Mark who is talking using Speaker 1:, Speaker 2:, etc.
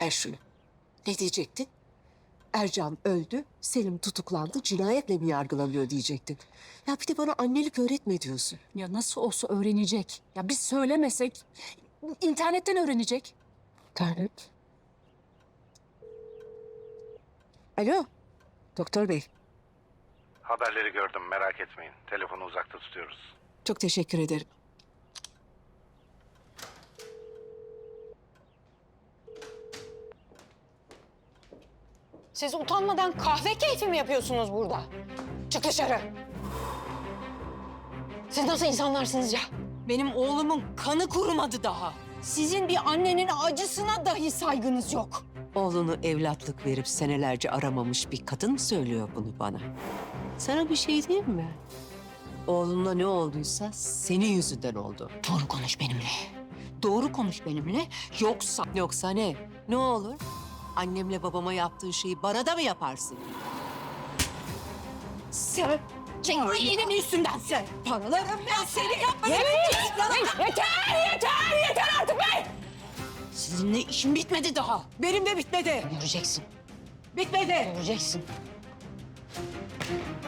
Speaker 1: Ver şunu. Ne diyecektin? Ercan öldü, Selim tutuklandı, cinayetle mi yargılanıyor diyecektin. Ya bir de bana annelik öğretme diyorsun.
Speaker 2: Ya nasıl olsa öğrenecek. Ya biz söylemesek internetten öğrenecek.
Speaker 1: Tanem. Alo, doktor bey.
Speaker 3: Haberleri gördüm, merak etmeyin. Telefonu uzakta tutuyoruz.
Speaker 1: Çok teşekkür ederim.
Speaker 4: Siz utanmadan kahve keyfi mi yapıyorsunuz burada? Çık dışarı. Siz nasıl insanlarsınız ya? Benim oğlumun kanı kurumadı daha. Sizin bir annenin acısına dahi saygınız yok.
Speaker 1: Oğlunu evlatlık verip senelerce aramamış bir kadın mı söylüyor bunu bana? Sana bir şey diyeyim mi? Oğlunla ne olduysa senin yüzünden oldu.
Speaker 4: Doğru konuş benimle. Doğru konuş benimle. Yoksa
Speaker 1: Yoksa ne? Ne olur? Annemle babama yaptığın şeyi bana da mı yaparsın?
Speaker 4: sen Cengiz'in üstünden sen. Paralarım ben seni yapmadım. Yeter artık be! Sizinle işim bitmedi daha.
Speaker 1: Benim de bitmedi.
Speaker 4: Göreceksin.
Speaker 1: Bitmedi.
Speaker 4: Göreceksin.